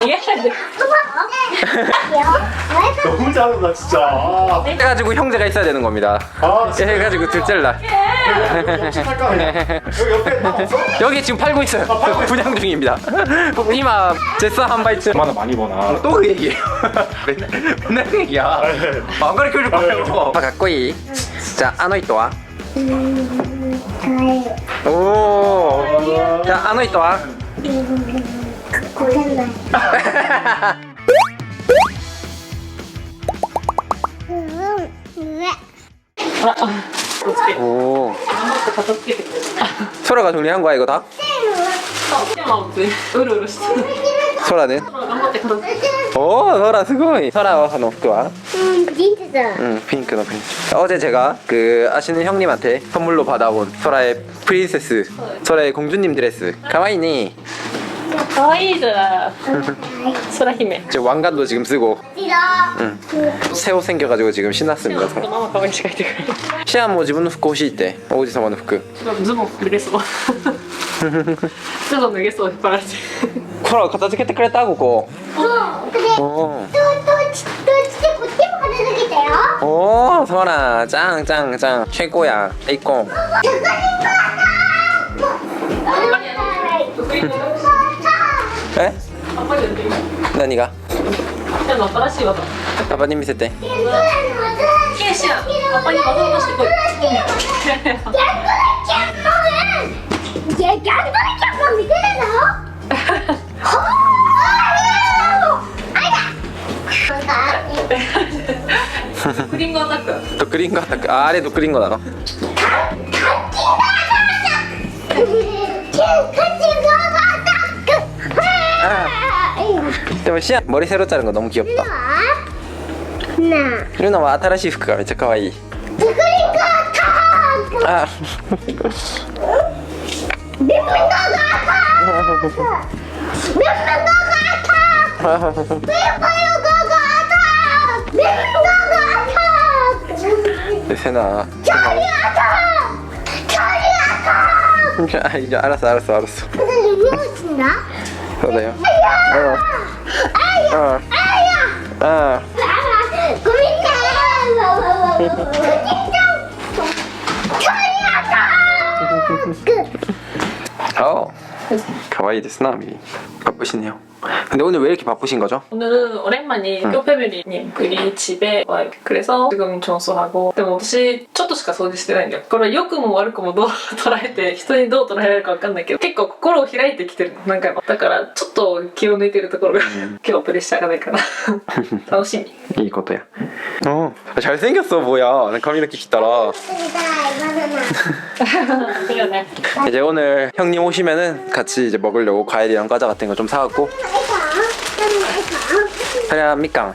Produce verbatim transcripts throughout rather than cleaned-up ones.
너무 잘한다 진짜. 해가지고 형제가 있어야 되는 겁니다. 아, 진짜. 해가지고 둘째를 낳. 할까 그냥. 여기 옆에 딱 없어? 여기 지금 팔고 있어요. 분양 중입니다. 이마 제스 한 바이트. 얼마나 많이 버나. 또 그 얘기예요. 맨날 맨날 그 얘기야. 안 가르쳐 줄 거예요. 아, 가꼬이. 자, 아노 이토 와. 오. 자, 아노 이토 와. 오. 소라가 정리한 거야 이거 다? 소라는? 오, 소라 스고이. 소라 하는服は? 음, 진짜. 응, 핑크の핑크. 어제 제가 그 아시는 형님한테 선물로 받아온 소라의 프린세스, 소라의 공주님 드레스. 가와이니. 可愛いじゃん空姫 지금 왕관도 지금 쓰고. 싫어. 응. 새 옷 생겨가지고 지금 신났습니다. ママ可愛いしか言ってくれる 시안 뭐自分の服欲しいって王子様の服。 ズボン脱げそうズボン脱げそう引っ張られてほら片付けてくれたここ。 そう。で、どおっち、どっちでこっちも片付けたよ。 ーおー、ソラ짱 짱 짱 최고야. 에이콘. 에? あんまりやってみない何が? シアの新しい技 아빠님見せて. ケイシアパパに技を出してこい 야, 양말이 밑에 나? 어? クリンゴアタックドッグリンゴアタック。あ、あれドッグリンゴなの? 아. でもシアン머리 새로 자른 거 너무 귀엽다. 나. 루나와 新しい服がめっちゃ可愛い. 아. 세나. 아, 이제 알았어 알았어 알았어. 그래요. 어. 어. 어. 어. 가와이 데스 나 미리. 바쁘시네요. 근데 오늘 왜 이렇게 바쁘신 거죠? 오늘은 오랜만에 응. 뼈패밀리님 우리 집에 와요. 그래서 지금 청소하고.でも私ちょっとしか掃除してないんだよ。これ良くも悪くもどう捉えて人にどう捉えられるかわかんないけど結構心を開いてきてるの何回も。だからちょっと気を抜いてるところが今日はプレッシャーがないかな楽しみ。 いいことや. 어. 잘생겼어 뭐야.髪の毛切ったら. 그러네. 이제 오늘 형님 오시면은 같이 이제 먹으려고 과일이랑 과자 같은 거 좀 사갖고. 그래 미깡.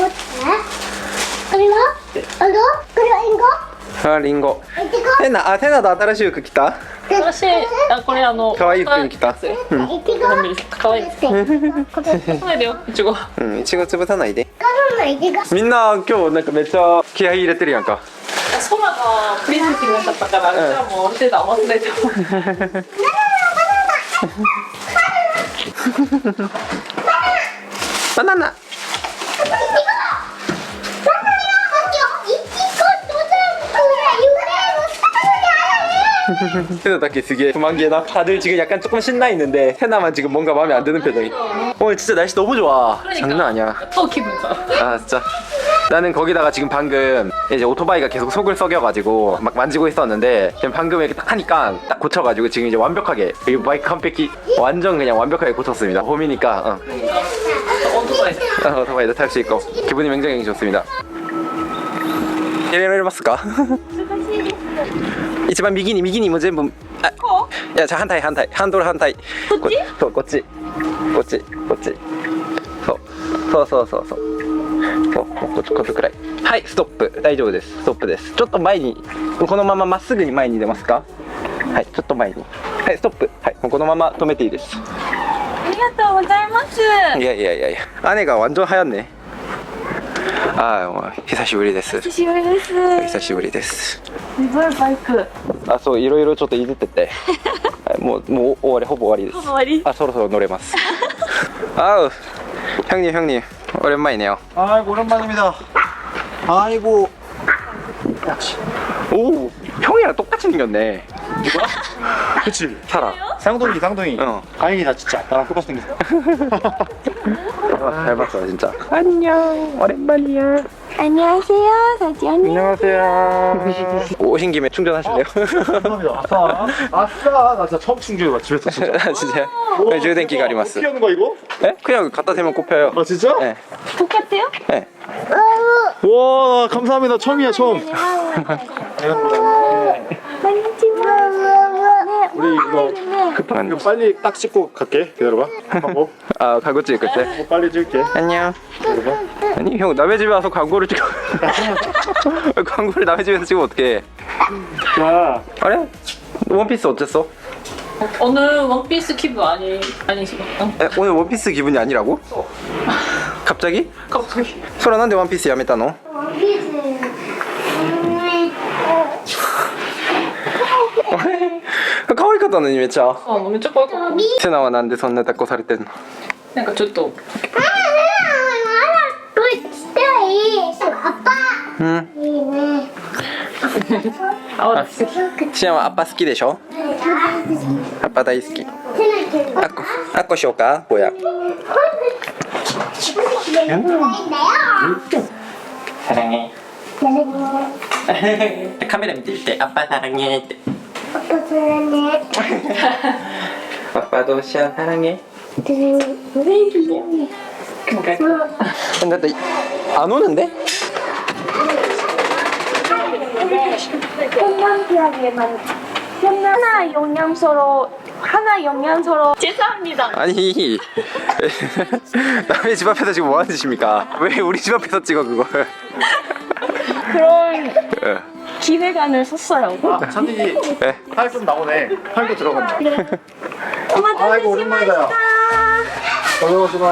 그리고 이거? 그리고 이거? 아 링고. 이거? 세나 아 세나도 新しい服着た? 私あこれあの可愛い服に着た. 응. 이거? かわいいです食べるよいちご 응, 이치고潰さないで. 까르마 이거? みんな今日なんかめっちゃ気合い入れてるやんか. 空がプリンセスになっちゃったから、じゃあもうある程度合わせないとバナナ. 세나 다 되게 도망개나. 다들 지금 약간 조금 신나 있는데 세나만 지금 뭔가 마음에 안 드는 표정이. 오늘 진짜 날씨 너무 좋아. 장난 아니야. 또 기분 좋아. 아 진짜. 나는 거기다가 지금 방금 이제 오토바이가 계속 속을 썩여가지고 막 만지고 있었는데 지금 방금 이렇게 딱 하니까 딱 고쳐가지고 지금 이제 완벽하게 이 바이크 컴팩이 완전 그냥 완벽하게 고쳤습니다. 봄이니까 어. 오토바이. 어, 오토바이도 탈 수 있고 기분이 굉장히 좋습니다. 이래ますか? 一番右に右にも全部あいやじゃあ反対反対ハンドル反対こっちそうこっちこっちこっちそうそうそうそうそうそうこっちこっちくらいはいストップ大丈夫ですストップですちょっと前にこのまままっすぐに前に出ますかはいちょっと前にはいストップはいもうこのまま止めていいですありがとうございます。 いやいやいやいや姉が완전はやんねああ久しぶりです久しぶりです。 久しぶりですすごいバイク。 あそういろいろちょっといじっててはいもうもう終わりほぼ終わりです終わり。 あそろそろ乗れますあう 형님 형님 오랜만이네요. 아이고 오랜만입니다. 아이고. 역시. 오 형이랑 똑같이 생겼네. 누가? 그치. 살아. 쌍둥이 쌍둥이. 어. 다행이다 진짜. 나랑 똑같이 생겼어. 잘 봤어 진짜. 안녕 오랜만이야. 안녕하세요, 사지 언니. 안녕하세요. 오신 김에 충전하실래요? 감사합니다. 아싸. 아싸. 나 진짜 처음 충전해봐 집에서 진짜. 진짜. 왜充電器があります. 어떻게 하는 거야 이거? 네? 그냥 갖다 대면 꼽혀요. 아 진짜? 네. 똑같아요? 네. 와 감사합니다. 처음이야 처음. 우리 이거 급한 거 빨리 딱 씻고 갈게. 기다려봐. 하고 아 광고 찍을 때. 어, 빨리 찍을게. 안녕. 기다려봐. 아니 형 남의 집에 와서 광고를 찍어. 광고를 남의 집에서 찍으면 어떡해. 자, 그래? 원피스 어땠어? 오늘 원피스 기분 아니 아니시고. 에, 오늘 원피스 기분이 아니라고? 갑자기? 갑자기. 소라 난데 원피스 야메타 너?可愛かったのにめっちゃ。 어,めっちゃ可愛かった。 セナはなんでそんな抱っこされてんの？ なんかちょっとうん。 あわす。 シアンはアッパ好きでしょ？アッパ大好き。あっこ、あっこしようか？ぼや。 사랑해. 카메라 밑에 있대. 아빠 사랑해.って. 아빠도 시안 사랑해. 근데 안 오는데? 하나 영양소로 하나 영양소로 죄송합니다. 아니 남의 집 앞에서 지금 뭐 하는 짓입니까? 왜 우리 집 앞에서 찍어 그걸? 그런 예. 기획안을 썼어요. 아, 찬디 네. 팔 좀 나오네. 팔도 들어간다. 오마타세 아이고 오랜만이다. 야. 어서오시마.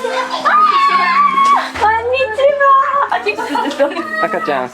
안녕하세요. 아직 안 됐어요. 아까짱.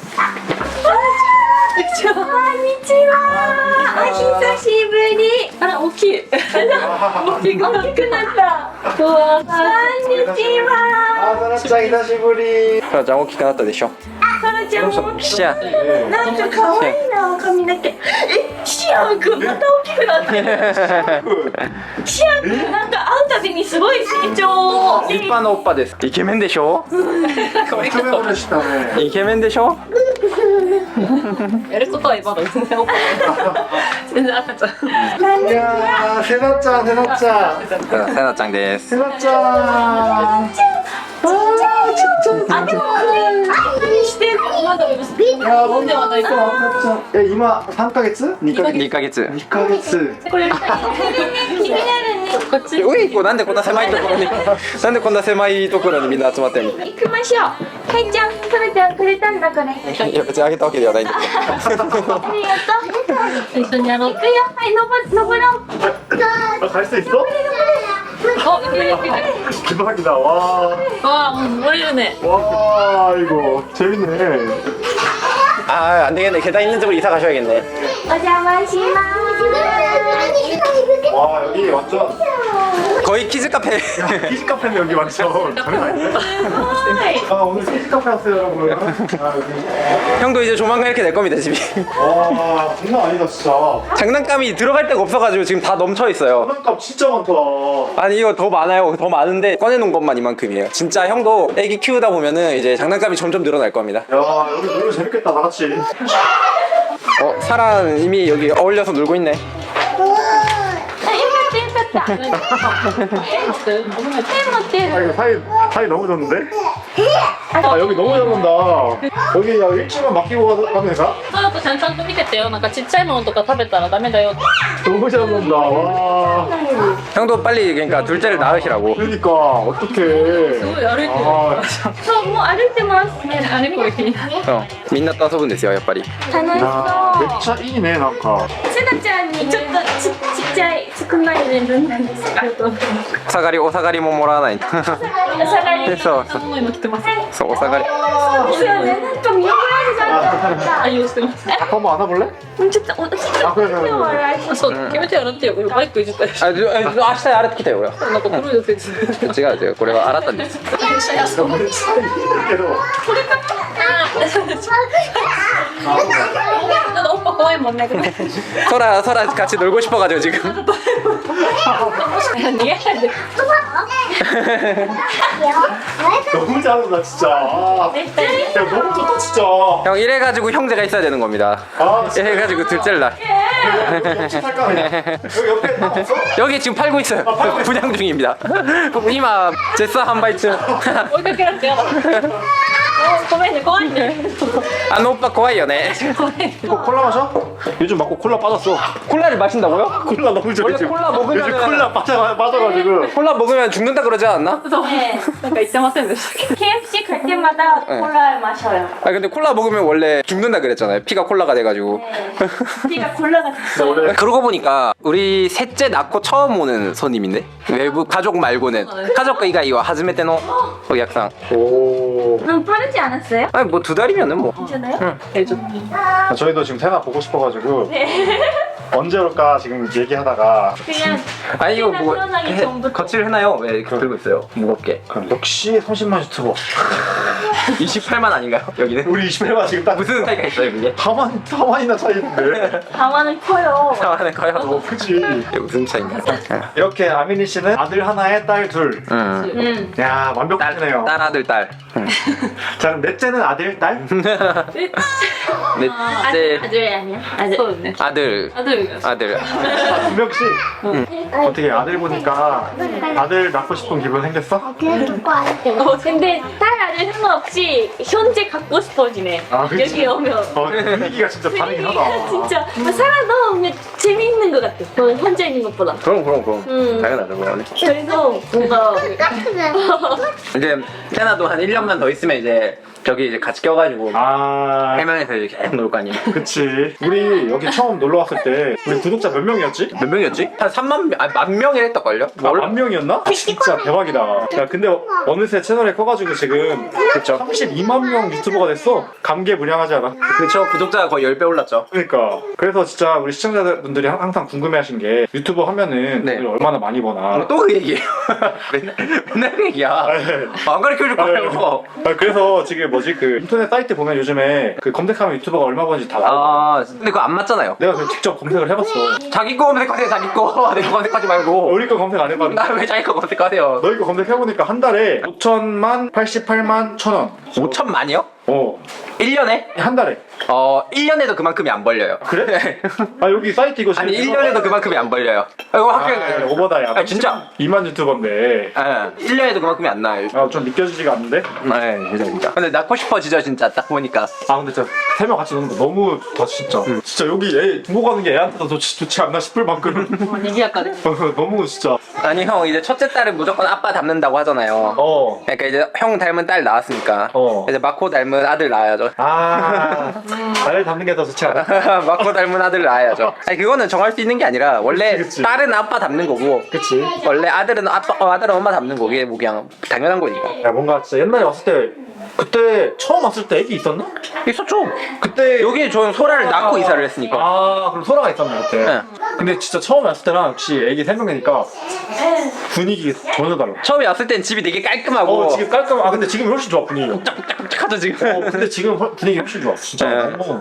안녕하세요. 아, 히사시부리. 아, 오키. 오키가 오키쿠났다. 우와. 안녕하세요. 아, 사나짱 히사시부리. 사라짱大きくなったでしょ? サラちゃんも大きシアンい。なんか可愛いな髪の毛。え、シアンくんまた大きくなってる。シアンくんなんか会うたびにすごい成長。 立派なおっぱです。イケメンでしょ? イケメンでしたね。 イケメンでしょ? やることはまだ全然オッケー。全然赤ちゃん。 いやー、セナちゃん、セナちゃん。 セナちゃんです。 セナちゃん。 あ、でも何してるのまだいやー、僕ではないと思う。 え、今三ヶ月？二ヶ月？ にかげつ。 二ヶ月。 これ気になるね。 こっち。 ういこなんでこんな狭いところになんでこんな狭いところにみんな集まってんの？ 行きましょう。かいちゃん、サラちゃんくれたんだこれ。あいや別にあげたわけではないんだけど。 りがとう。 一緒にやろう行。くよ。はい、登登ろう。 あ、海水있어？ お、いけるいける。 대박이다. 와. 와, 모르네. 와, 이거 재밌네. 아, 안 되겠네. 계단 있는 쪽으로 이사 가셔야겠네. お邪魔します。 와, 여기 완전 거의 키즈 카페. 키즈 카페네 여기 완전. 장난 아닌데? 아, 오늘 키즈 카페 왔어요, 여러분. 아, 여기. 형도 이제 조만간 이렇게 될 겁니다, 집이. 와, 장난 아니다, 진짜. 장난감이 들어갈 데가 없어가지고 지금 다 넘쳐 있어요. 장난감 진짜 많다. 아니 이거 더 많아요. 더 많은데 꺼내놓은 것만 이만큼이에요. 진짜 형도 애기 키우다 보면은 이제 장난감이 점점 늘어날 겁니다. 야, 여기 놀러 재밌겠다, 다 같이. 어, 사란 이미 여기 어울려서 놀고 있네. あ、よかったよかった。ペン持ってる。 아, 이거 사이, 사이 너무 좋은데? 아, 여기 너무 잘 논다. 여기 야, 일주일만 맡기고 가면 될까? そうやっぱちゃんちゃんと見ててよ。なんかちっちゃいものとか食べたらダメだよ。 너무 잘 논다. 와. 형도 빨리 그러니까 둘째를 낳으시라고. 그러니까, 어떡해. すごい歩いてる。 아, そう、もう歩いてます。 ね、あれこれ気になる。 어, 민나 또遊ぶんですよ, やっぱり. 楽し 야, そう。 매차 이네, 난가. セナちゃんにちょっとちちっちゃい少ないね分なんですけど。 お下がりお下がりももらわないとお下がり。 そうそうもの今来てます。 そうお下がりそうですよね。なんか見覚えがあるじゃん。 愛用してます。 한번 안아볼래? ちょっとおちょっと 아 그래 그래 手を 그래 洗い。 あ、そう、決めて洗ってよ。バイクいじったりして。 あじゃあ明日洗ってきたよ俺はなんか黒いやついつ。 違う違うこれは洗ったんです 그래도 なんかおっぱ怖いもんね。 소라 소라 같이 놀고 싶어가지고 지금 너무 잘한다 진짜 아, 야 너무 좋다 진짜 형 이래가지고 형제가 있어야 되는 겁니다 아 진짜 이래가지고 둘째를 낳 여기 옆집 살까 그냥 여기 옆에 다 없어? 여기 지금 팔고 있어요 분양 중입니다 이마 제스 한바이츠 追いかけられてやだ。ごめんね怖いね。 안 오빠 고와요네 이거 콜라 마셔? 요즘 맞고 콜라 빠졌어 콜라를 마신다고요? 콜라 너무 좋아 원래 요즘. 콜라 먹으면은- 요즘 콜라 빠져, 빠져가지고 콜라 먹으면 죽는다 그러지 않았나? ねなんか言ってませんでしたっけ。 케이에프씨 갈 때마다 콜라 마셔요. 아 근데 콜라 먹으면 원래 죽는다 그랬잖아요 피가 콜라가 돼가지고 피가 콜라가 됐어. 원래 그러고 보니까 우리 셋째 낳고 처음 오는 손님인데 외부 가족 말고는 가족 이가이와 하즈메테노 약상 오 응 빠르지 않았어요? 아니 뭐 두 달이면은 뭐 괜찮아요? 해줘. 아, 저희도 지금 세나 보고 싶어가지고 네. 언제 올까 지금 얘기하다가 그냥 아니 이거 뭐 태어나기 해- 전부터. 거치를 해놔요 왜 이렇게 들고 있어요 무겁게 그럼 역시 삼십만 유튜버 이십팔만 아닌가요 여기는? 우리 이십팔만 지금 딱 무슨 차이가 있어요 그게? 다만 다만이나 차이인데 가만을 커요. 상하는 어 거요? 그지 이게 무슨 차이인가? 이렇게 아미니 씨는 아들 하나에 딸 둘. 응. 응. 야 딸, 완벽하네요. 딸 아들 딸 자 그럼 넷째는 아들 딸? 넷째 아들 아니야? 아들. そうだね。 아들 あ、どういう 아들 아, 두 명씩. 어떻게 아들 보니까 아들 낳고 싶은 기분 생겼어? 어, 근데 딸 아들 상관없이 현재 갖고 싶어지네. 아, 그치? 여기 오면. 어 분위기가 진짜 다르긴 하다. 진짜 살아도 재미있는 것 같아. 어, 현재 있는 것보다. 그럼 그럼 그럼 음. 당연하죠 그거는 그래서 뭔가 이제 세나도 한 일 년만 더 있으면 이제 저기 이제 같이 껴가지고 아 해명에서 이제 계속 놀 거 아니에요 그치. 우리 여기 처음 놀러 왔을 때 우리 구독자 몇 명이었지? 몇 명이었지? 한 삼만 명, 아니 만 명이랬을걸요? 아, 만 명이었나? 진짜 대박이다. 야 근데 어느새 채널에 커가지고 지금 그쵸 삼십이만 명 유튜버가 됐어. 감개무량하지 않아? 그쵸 구독자가 거의 십 배 올랐죠 그러니까 그래서 진짜 우리 시청자분들이 항- 항상 궁금해하신 게 유튜버 하면은 네. 돈을 얼마나 많이 버나. 또 그 얘기예요 맨날, 맨날 그 얘기야 아, 네. 안 가르쳐줄 거예요 아, 그래서 지금 뭐지 그 인터넷 사이트 보면 요즘에 그 검색하면 유튜버가 얼마 버는지 다 나와. 아 근데 그거 안 맞잖아요 내가 그 직접 검색을 해봤어. 자기 거 검색하세요 자기 거 내 거 검색하지 말고 우리 거 검색 안 해봤는데 나 왜 자기 거 검색하세요 너희 거 검색해보니까 한 달에 오천만 팔십팔만 천원. 오천만이요? 어. 일 년에? 한 달에. 어 일 년에도 그만큼이 안 벌려요 그래? 아 여기 사이트 이거 아니 지금 일 년에도 그만큼이 안 벌려요 아, 이거 아, 확실히 오버다 야. 아, 진짜? 이만 유튜버인데. 예, 일 년에도 그만큼이 안 나요 아 좀 믿겨지지가 않는데? 네 진짜 진짜 근데 낳고 싶어지죠 진짜 딱 보니까 아 근데 진짜 세 명 같이 노는 거 너무 좋다 진짜. 진짜 여기 애 두고 가는 게 애한테도 좋지, 좋지 않나 싶을 만큼. 賑やかで。 어, 너무 진짜. 아니 형 이제 첫째 딸은 무조건 아빠 닮는다고 하잖아요 어. 그러니까 이제 형 닮은 딸 낳았으니까 어. 이제 마코 닮은 아들 낳아야죠 아. 나를 담는 게 더 좋지 않아? 마코 닮은 아들 낳아야죠 아니 그거는 정할 수 있는 게 아니라 원래 그치, 그치. 딸은 아빠 닮는 거고 그치? 원래 아들은 아빠 어, 아들은 엄마 닮는 거 이게 뭐 그냥 당연한 거니까 야 뭔가 진짜 옛날에 왔을 때 그때 처음 왔을 때 애기 있었나? 있었죠 그때 여기 저는 소라를 낳고 이사를 했으니까 아 그럼 소라가 있었네 그때. 네. 근데 진짜 처음 왔을 때랑 역시 애기 세 명이니까 분위기 전혀 달라. 처음에 왔을 땐 집이 되게 깔끔하고 어 지금 깔끔. 아 근데 지금 훨씬 좋아 분위기. 하죠 지금 어 근데 지금 훨- 분위기 훨씬 좋아 진짜. 네. 너무.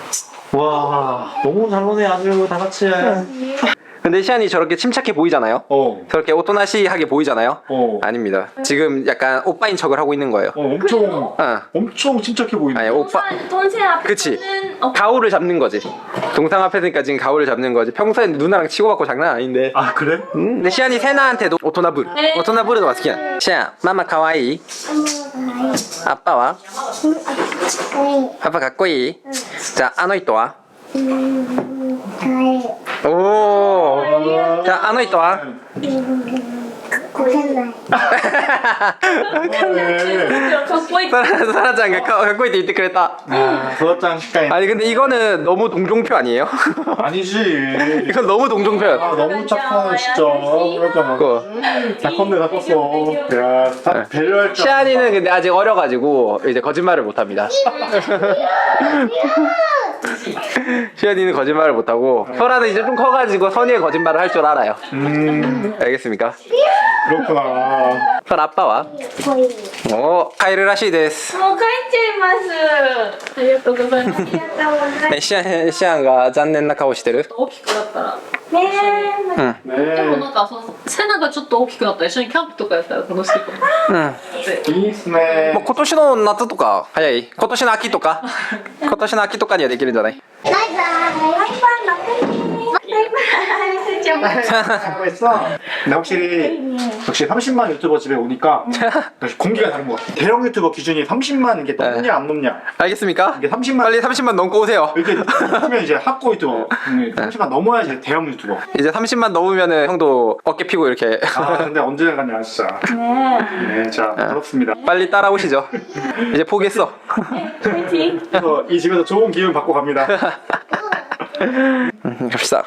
와 너무 잘 노네 아주 다 같이. 근데 시안이 저렇게 침착해 보이잖아요 어. 저렇게 오토나시하게 보이잖아요 어. 아닙니다 지금 약간 오빠인 척을 하고 있는 거예요 어 엄청 어. 엄청 침착해 보이네. 아니 오빠 동생 앞에는 그치. 어, 가오를 잡는 거지 동상 앞에니까 지금 가오를 잡는 거지 평소엔 누나랑 치고받고 장난 아닌데 아 그래? 음, 근데 시안이 세나한테도 오토나부르 네. 오토나부르도 마스키야 시안 마마 카와이 아빠와 아빠 가꼬이 자 아노 이토와 오 자 아노 이토와 ごせんない。 かっこいい 사라, 사라짱가 갖고 있대 이때 그랬다. 아, 소다짱 식당이 아니 근데 이거는 너무 동종표 아니에요? 아니지. 이건 너무 동종표야. 아, 너무 착하네 진짜. 그러니까 그거. 다 컸네 다 컸어. 야, 다 배려할 줄. 시안이는 근데 아직 어려가지고 이제 거짓말을 못합니다. 시안이는 거짓말을 못하고 설아는 이제 좀 커가지고 선의의 거짓말을 할 줄 알아요. 음, 알겠습니까? 그렇구나. 설 아빠와 こいい。 오 카이르 라시 데스. もう帰っちゃいますありがとうございますありがとうございます。 네, 시안 시안가残念な顔してる? 大きくなったらねえ。 응. でも 네. なんかその背中ちょっと大きくなったら一緒にキャンプとかやったら楽しいかも 응. でいいっすね 뭐 。今年の夏とか早い今年の秋とか今年の秋とかにはできるんじゃないバイバイ。バイバイ。バイバイ。じゃあ。 하고 있어. 근데 확실히 역시 삼십만 유튜버 집에 오니까 역시 공기가 다른 것 같아. 대형 유튜버 기준이 삼십만 이게 넘냐 안 넘냐. 알겠습니까? 이게 삼십만 빨리 삼십만 넘고 오세요. 이렇게 하면 이제 학고 유튜버. 삼십만 넘어야지 대형 유튜버. 이제 삼십만 넘으면은 형도 어깨 피고 이렇게 아 근데 언제 가냐 진짜. 네, 자 부럽습니다. 빨리 따라오시죠. 이제 포기했어. 그래서 이 집에서 좋은 기운 받고 갑니다. 음, 갑시다.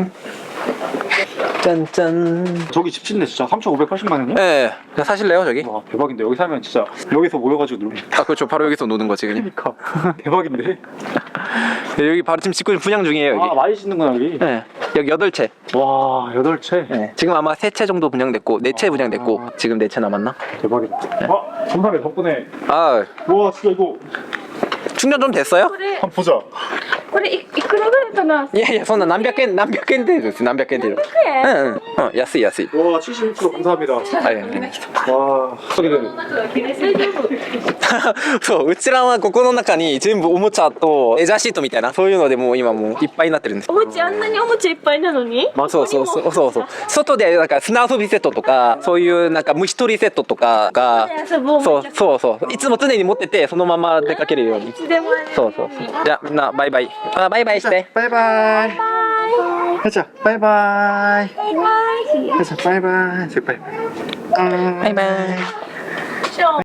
짠짠. 저기 집 짓네 진짜 삼천오백팔십만 원이야? 예, 네, 사실래요 저기? 와 대박인데 여기 살면 진짜 여기서 모여가지고 놀. 아 그렇죠. 바로 여기서 노는 거지 그냥. 그러니까 대박인데. 네, 여기 바로 지금 짓고 분양 중이에요 여기. 아 많이 짓는구나 여기. 네, 여기 여덟 채. 와 여덟 채. 네, 지금 아마 세 채 정도 분양됐고 네 채 분양됐고 지금 네 채 남았나? 대박이다. 아 감사합니다 덕분에. 아 와 진짜 이거 충전 좀 됐어요? 한번 보자. これいいくらぐらいかな。 예, 예, 손나 남백엔 남백엔 되죠. 남백엔 돼요. 응, 응. 어, 야스이 야스이. 와 칠십육 퍼센트 감사합니다. 아, 예, 예. 와 소리를. そう、うちらはここの中に全部おもちゃとレジャーシートみたいなそういうのでもう今もういっぱいになってるんです。 おもちゃあんなにおもちゃいっぱいなのにそうそうそうそうそう。外でなんか砂遊びセットとかそういうなんか虫取りセットとかが遊ぼうそうそうそういつも常に持っててそのまま出かけるように。 いつでもあるそうそうそう。じゃあみんなバイバイ。あバイバイして。 바이바이. 하자 바이바이. バイバイ。 하자 바이바이. 바이바이. 아. バイバイ。